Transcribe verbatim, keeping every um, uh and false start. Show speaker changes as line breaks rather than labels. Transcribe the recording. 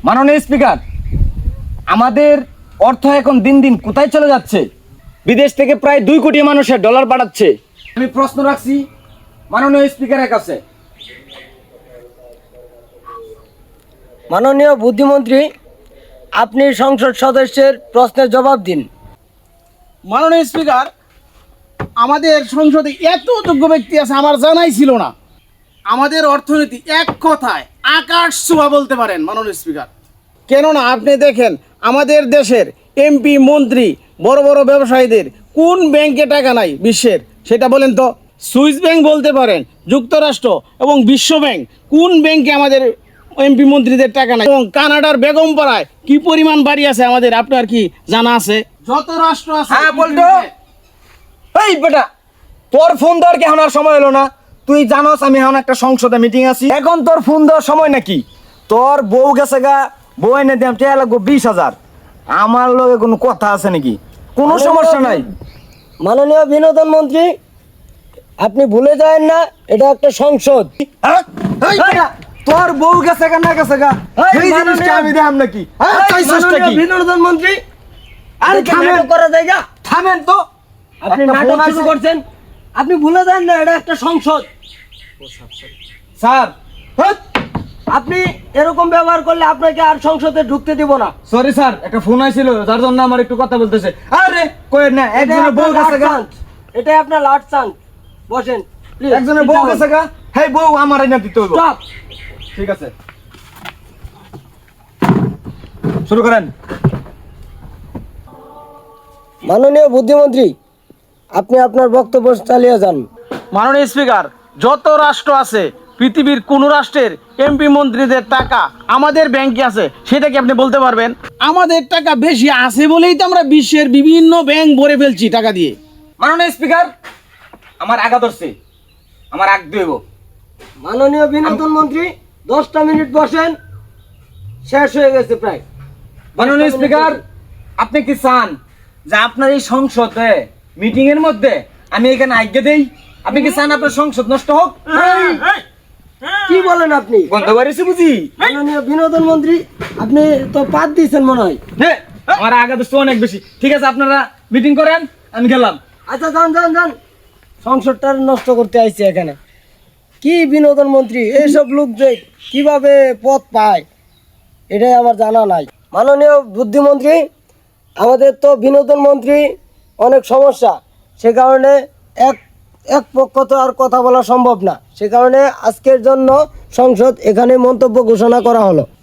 মাননীয় স্পিকার, আমাদের অর্থ এখন দিন দিন কোথায় চলে যাচ্ছে? বিদেশ থেকে প্রায় দুই কোটি মানুষের ডলার পাঠাচ্ছে। আমি প্রশ্ন রাখছি মাননীয় স্পিকারের কাছে।
মাননীয় বুদ্ধিমন্ত্রী, আপনি সংসদ সদস্যের প্রশ্নের জবাব দিন।
মাননীয় স্পিকার, আমাদের সংসদে এত যোগ্য ব্যক্তি আছে আমার জানাই ছিল না। আমাদের অর্থনীতি এক কথায় আকাশ ছোঁয়া বলতে পারেন মাননীয় স্পিকার। কেননা আপনি দেখেন আমাদের দেশের এমপি মন্ত্রী বড় বড় ব্যবসায়ীদের কোন ব্যাংকে টাকা নাই বিশ্বের, সেটা বলেন তো। সুইস ব্যাংক বলতে পারেন, যুক্তরাষ্ট্র এবং বিশ্ব ব্যাংক, কোন ব্যাংকে আমাদের এমপি মন্ত্রীদের টাকা নাই? এবং কানাডার বেগমপাড়ায় কি পরিমাণ বাড়ি আছে আমাদের, আপনার কি জানা আছে? যত রাষ্ট্র আছে।
হ্যাঁ বলতো, এই বেটা তোর ফোন দেওয়ার কি এখন আর সময় হলো না? তুই জানোস আমি এখন একটা সংসদে মিটিং আছি, এখন তোর ফোন দেওয়ার সময় নাকি? তোর বউ গেছে গা, বউ এনে দিলাম টেয়া লাগবো বিশ হাজার। আমার লগে কোনো কথা আছে নাকি? কোনো সমস্যা নাই।
মাননীয় বিনোদন মন্ত্রী, আপনি ভুলে যাবেন না এটা একটা সংসদ।
হ্যাঁ? এই বেটা, তোর বউ গেছে গা না গেছে গা এই জিনিসটা আমি দেখাম নাকি? হ্যাঁ, চাইছিসটা কি?
বিনোদন মন্ত্রী,
আর
আর
থামেন।
নাটক করা যায় না।
থামেন তো,
আপনি
একটা
নাটক
ফোন
শুরু
আছে।
করছেন। আপনি ভুলে যান না এটা একটা সংসদ।
স্যার,
আপনি এরকম ব্যবহার করলে আপনাকে আর সংসদে ঢুকতে দিব না।
সরি স্যার, একটা ফোন আইছিল যার জন্য আমার একটু কথা বলতেছে। আরে কই না,
এটাই
একজনের বউ
আপনার
গেছে গা,
last chance। এটাই আপনার লাস্ট চান্স। বসেন প্লিজ।
একজনের বউ গেছে গা, হেই বউ আমার না দিতে হইব।
স্টপ।
ঠিক আছে, শুরু করেন।
মাননীয় বুদ্ধিমন্ত্রী, আপনি আপনার বক্তব্য চালিয়ে যান।
মাননীয় স্পিকার, যত রাষ্ট্র আছে পৃথিবীর কোন রাষ্ট্রের এমপি মন্ত্রীদের টাকা আমাদের ব্যাংকে আছে সেটা কি আপনি বলতে পারবেন? আমাদের টাকা বেশি আছে বলেই তো আমরা বিশ্বের বিভিন্ন ব্যাংক ভরে ফেলছি টাকা দিয়ে।
মাননীয় স্পিকার, আমার আগা ধরছে, আমার আগ দেব।
মাননীয় বিনোদন মন্ত্রী, দশটা মিনিট বসেন, শেষ হয়ে গেছে প্রায়।
মাননীয় স্পিকার, আপনি কি চান যে আপনার এই সংসদে মিটিং এর মধ্যে আমি এখানে আজ্ঞা দেই? আপনি কি চান আপনার সংসদ নষ্ট হোক?
কি বলেন আপনি?
গন্ধ বাড়িছে বুঝি?
মাননীয় বিনোদন মন্ত্রী, আপনি তো পাত দিয়েছেন মনে হয়।
হে, আমার আগা ধরছে অনেক বেশি। ঠিক আছে, আপনারা মিটিং করেন, আমি গেলাম।
আচ্ছা যান যান যান, সংসদটা নষ্ট করতে আইছে এখানে। কি বিনোদন মন্ত্রী, এইসব লোক যে কিভাবে পদ পায় এটাই আমার জানা নাই। মাননীয় বুদ্ধিমন্ত্রী, আমাদের তো বিনোদন মন্ত্রী অনেক সমস্যা, সে কারণে এক এক পক্ষ তো আর কথা বলা সম্ভব না। সে কারণে আজকের জন্য সংসদ এখানে মন্তব্য ঘোষণা করা হলো।